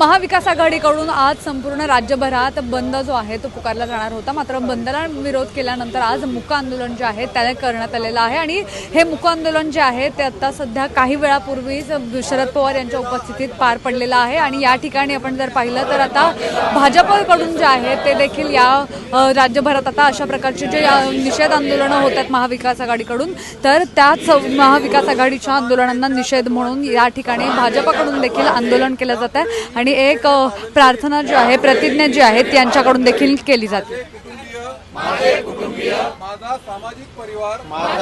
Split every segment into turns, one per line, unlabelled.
महाविकास आघाडीकडून आज संपूर्ण राज्यभरात बंद जो आहे तो पुकारला जाणार होता। मात्र बंदला विरोध केल्यानंतर आज मूक आंदोलन जे आहे त्याने करण्यात आलेलं आहे आणि हे मूक आंदोलन जे आहे ते आता सध्या काही वेळापूर्वीच शरद पवार यांच्या उपस्थितीत पार पडलेलं आहे। आणि या ठिकाणी आपण जर पाहिलं तर आता भाजपकडून जे आहे ते देखील या राज्यभरात आता अशा प्रकारचे जे निषेध आंदोलनं होत आहेत महाविकास आघाडीकडून, तर त्याच महाविकास आघाडीच्या आंदोलनांना निषेध म्हणून या ठिकाणी भाजपकडून देखील आंदोलन केलं जात आहे आणि एक प्रार्थना जी आहे, प्रतिज्ञा जी आहे ती यांच्याकडून देखील केली जाते।
माझे कुटुंबीय, माझा सामाजिक परिवार,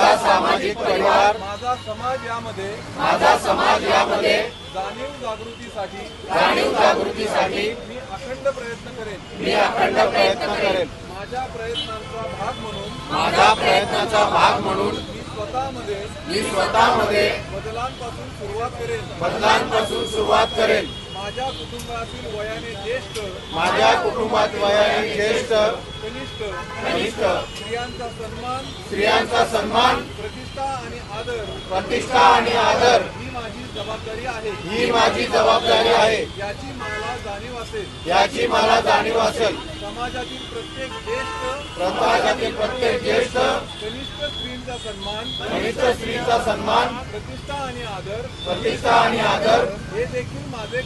माझा समाज यामध्ये जाणीव जागृतीसाठी मी अखंड प्रयत्न करेन। माझ्या प्रयत्नांचा भाग म्हणून मी स्वतःमध्ये बदलांपासून सुरुवात करेन। माझ्या कुटुंबातील वयाने ज्येष्ठ कनिष्ठ स्त्रियांचा सन्मान प्रतिष्ठा आणि आदर ही माझी जबाबदारी आहे। याची मला जाणीव असेल। समाजातील प्रत्येक ज्येष्ठ कनिष्ठ स्त्रीचा सन्मान प्रतिष्ठा आणि आदर हे देखील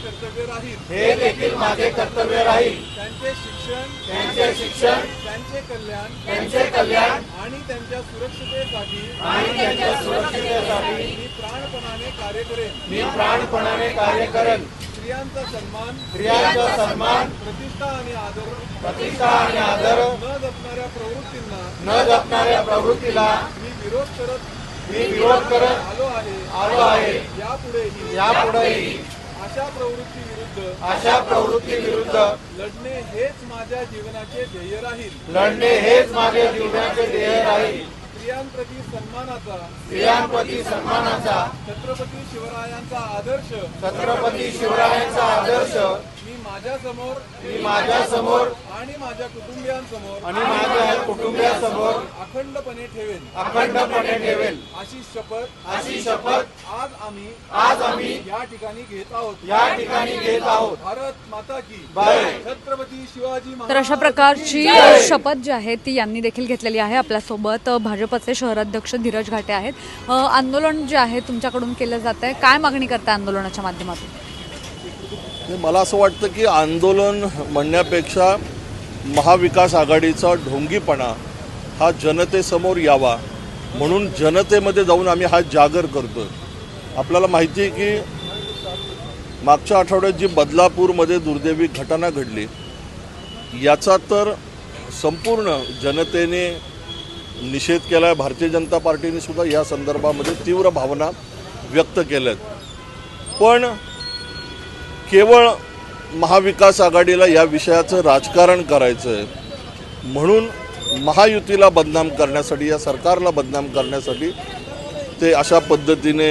माझे कर्तव्य राहील। त्यांचे शिक्षण त्यांचे कल्याण आणि त्यांच्या सुरक्षितेसाठी मी प्राणपणाने कार्य करेन। स्त्रियांचा सन्मान प्रतिष्ठा आणि आदर न जपणाऱ्या प्रवृत्तीला मी विरोध करत आलो आहे। यापुढेही अशा प्रवृत्ती विरुद्ध लढणे हेच माझ्या जीवनाचे ध्येय राहील। स्त्रियांप्रती सन्मानाचा छत्रपती शिवरायांचा आदर्श मी माझ्या समोर आणि माझ्या कुटुंबियांसमोर अखंडपणे ठेवेन। अशी शपथ आज आम्ही या ठिकाणी घेत आहोत। भारत माता की जय। छत्रपती शिवाजी महाराज।
तर अशा प्रकारची शपथ जी आहे ती यांनी देखील घेतलेली आहे। आपल्यासोबत भाजपचे शहराध्यक्ष धीरज घाटे आहेत। आंदोलन जे आहे तुमच्याकडून केलं जात आहे, काय मागणी करताय आंदोलनाच्या माध्यमातून?
मला असं वाटतं की आंदोलन म्हणण्यापेक्षा महाविकास आघाडीचा ढोंगीपणा हा जनतेसमोर यावा म्हणून जनतेमध्ये जाऊन आम्ही हा जागर करतो। आपल्याला माहिती आहे की मागच्या आठवड्यात जी बदलापूरमध्ये दुर्दैवी घटना घडली याचा तर संपूर्ण जनतेने निषेध केला आहे। भारतीय जनता पार्टीने सुद्धा या संदर्भामध्ये तीव्र भावना व्यक्त केल्यात। पण केवळ महाविकास आघाडीला या विषयाचं राजकारण करायचं आहे म्हणून महायुतीला बदनाम करण्यासाठी, या सरकारला बदनाम करण्यासाठी ते अशा पद्धतीने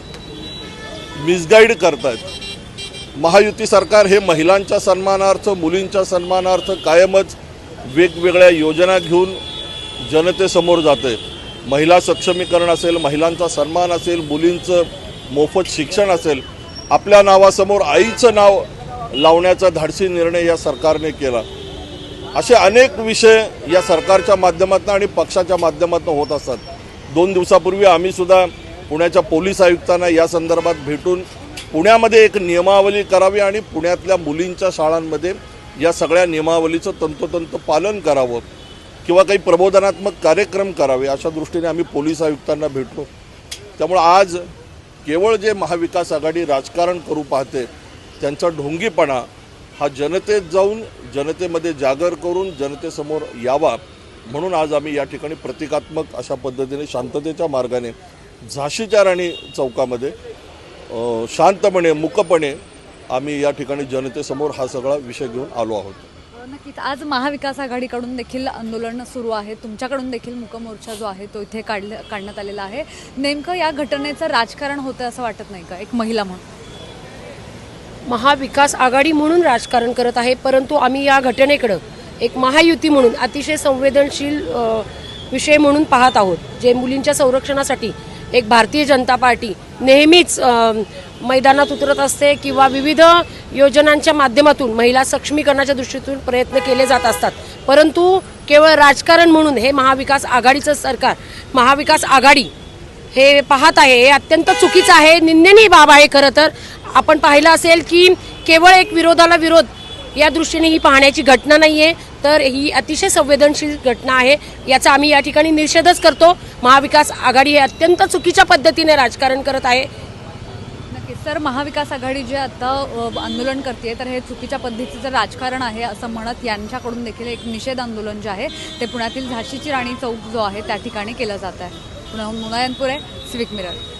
मिसगाईड करतात। महायुती सरकार हे महिलांच्या सन्मानार्थ, मुलींच्या सन्मानार्थ कायमच वेगवेगळ्या योजना घेऊन जनतेसमोर जाते। महिला सक्षमीकरण असेल, महिलांचा सन्मान असेल, मुलींचं मोफत शिक्षण असेल, आपल्या नावासमोर आईचं नाव लावण्याचा धाडसी निर्णय या सरकारने केला। असे अनेक विषय या सरकारच्या माध्यमातून आणि पक्षाच्या माध्यमातून होत असतात। 2 दिवसापूर्वी आम्ही सुद्धा पुण्याच्या पोलीस आयुक्तांना या संदर्भात भेटून पुण्यामध्ये एक नियमावली करावी आणि पुण्यातल्या मुलींच्या शाळांमध्ये या सगळ्या नियमावलीचं तंतोतंत पालन करावं किंवा काही प्रबोधनात्मक कार्यक्रम करावे अशा दृष्टीने आम्ही पोलीस आयुक्तांना भेटलो। त्यामुळे आज केवळ जे महाविकास आघाडी राजकारण करू पाहते त्यांचा ढोंगीपणा हा जनतेत जाऊन जनतेमध्ये जागर करून जनतेसमोर यावा म्हणून आज आम्ही या ठिकाणी प्रतिकात्मक अशा पद्धतीने शांततेच्या मार्गाने झाशीच्या राणी चौकामध्ये शांतपणे मुकपणे आम्ही या ठिकाणी जनतेसमोर हा सगळा विषय घेऊन आलो आहोत।
नक्कीच आज महाविकास आघाडीकडून देखील आंदोलन सुरू आहे, तुमच्याकडून देखील मूक मोर्चा जो आहे तो इथे काढण्यात आलेला आहे। नेमकं या घटनेचं राजकारण होतं असं वाटत नाही का? एक महिला म्हणून
महाविकास आघाडी म्हणून राजकारण करत आहे, परंतु आम्ही या घटनेकडे एक महायुती म्हणून अतिशय संवेदनशील विषय म्हणून पाहत आहोत। जे मुलींच्या संरक्षणासाठी एक भारतीय जनता पार्टी नेहमीच मैदानात उतरत असते किंवा विविध योजनांच्या माध्यमातून महिला सक्षमीकरणाच्या दृष्टीतून प्रयत्न केले जात असतात, परंतु केवळ राजकारण म्हणून हे महाविकास आघाडीचं सरकार, महाविकास आघाडी हे पाहत आहे, हे अत्यंत चुकीचं आहे, निंदनीय बाब आहे. खरं तर आपण पाहिलं असेल की केवळ एक विरोधाला विरोध या दृष्टीने ही पाहण्याची घटना नाही आहे, तर ही अतिशय संवेदनशील घटना आहे. याचा आम्ही या ठिकाणी निषेधच करतो. महाविकास आघाडी हे अत्यंत चुकीच्या पद्धतीने राजकारण करत आहे.
नक्कीच सर, महाविकास आघाडी जे आता आंदोलन करते तर हे चुकीच्या पद्धतीचं राजकारण आहे असं म्हणत यांच्याकडून देखील एक निषेध आंदोलन जे आहे ते पुण्यातील झाशीची राणी चौक जो आहे त्या ठिकाणी केलं जात आहे. पुण्याहून मुनायनपुरे, सिविक मिरर.